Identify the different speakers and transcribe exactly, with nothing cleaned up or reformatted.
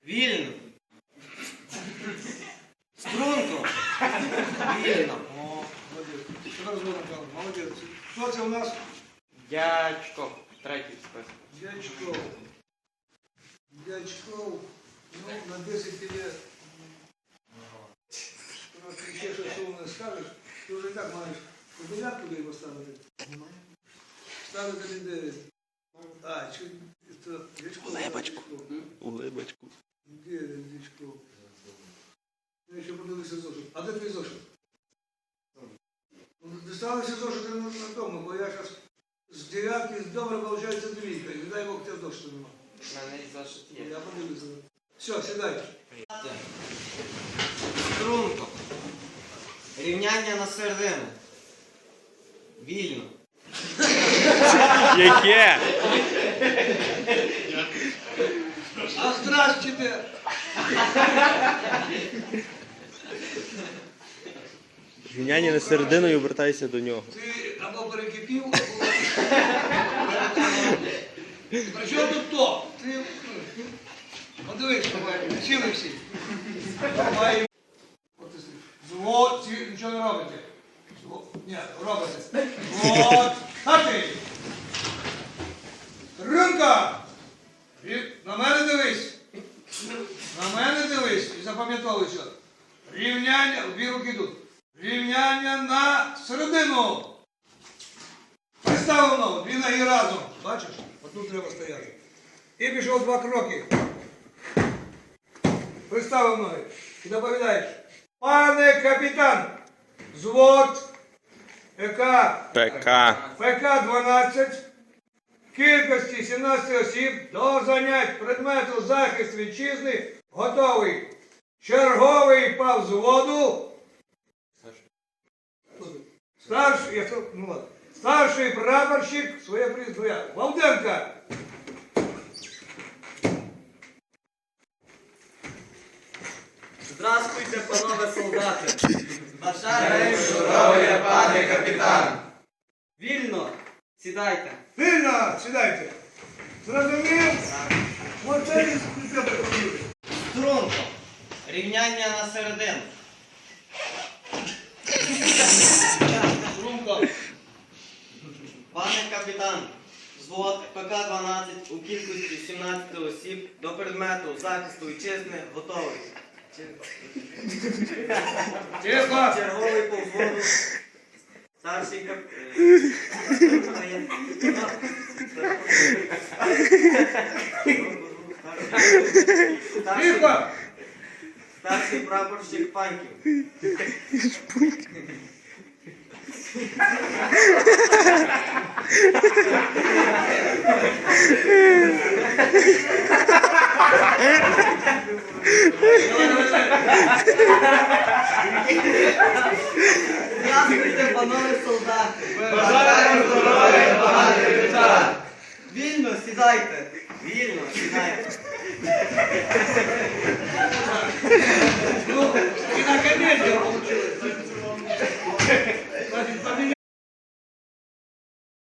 Speaker 1: Вільно. Струнко. Вільно.
Speaker 2: О, молодець. Що розводом казав? Молодець. Хто це у нас?
Speaker 1: Дячко. Третій список.
Speaker 2: Дячков. Дячков. Ну, на десять тебе... Просто ще щось умне скажеш, ти вже і так маєш у дев'ятку його ставити. Ставити не дев'ять. А, чи... це Дячков.
Speaker 3: Улибочку. Улибочку.
Speaker 2: Де він, Дячков? Я ще подивився зошит. А де твій зошит? Ну, доставився зошит на, на тому, бо я зараз з дев'ятки добре виходить двійка. І не дай Бог, тебе зошиту нема.
Speaker 1: У мене і зошит є.
Speaker 2: Я подивлюся. Все, сідайте.
Speaker 1: Струнко. Рівняння на середину. Вільно.
Speaker 3: Яке?
Speaker 2: А здрастуйте!
Speaker 3: Рівняння на середину і обертайся до нього.
Speaker 2: Ти або перекипів, або... При чому тут то? Ти... Подивись, сіли всі. Давай. От ти стоїш. Звод, ці нічого не робите. Звод. Ні, робите. Звод. Хати. Ринка. На мене дивись. На мене дивись. І запам'ятовуй що. Рівняння, дві руки йдуть. Рівняння на середину. Приставлено, дві ноги разом. Бачиш? Отут треба стояти. І пішов два кроки. Приставив ноги. І доповідаєш. Пане капітан, взвод ЕК
Speaker 3: ПК.
Speaker 2: ПК дванадцять, кількості сімнадцять осіб до занять предмету захист вітчизни готовий. Черговий по взводу. Старший, я сказав, ну ладно. Старший прапорщик, своє прізвище, Валденко.
Speaker 1: Здравствуйте, панове солдати. Бажаю здоров'я, пане капітан. Вільно. Сідайте.
Speaker 2: Вільно, сідайте. Зрозумів? Оце і скільки.
Speaker 1: Струнко. Рівняння на середину.
Speaker 2: Струнко.
Speaker 1: Пане капітан, взвод ПК дванадцять у кількості сімнадцять осіб до предмету захисту вітчизни готовий.
Speaker 2: Тихо.
Speaker 1: Черговий по взводу. Старший кап... Старший...
Speaker 2: Тихо.
Speaker 1: Старший прапорщик Паньків. Здравствуйте, панове солдати. Бажаю здоров'я, пане капітан. Вільно сідайте. Вільно сідайте.
Speaker 2: Ну,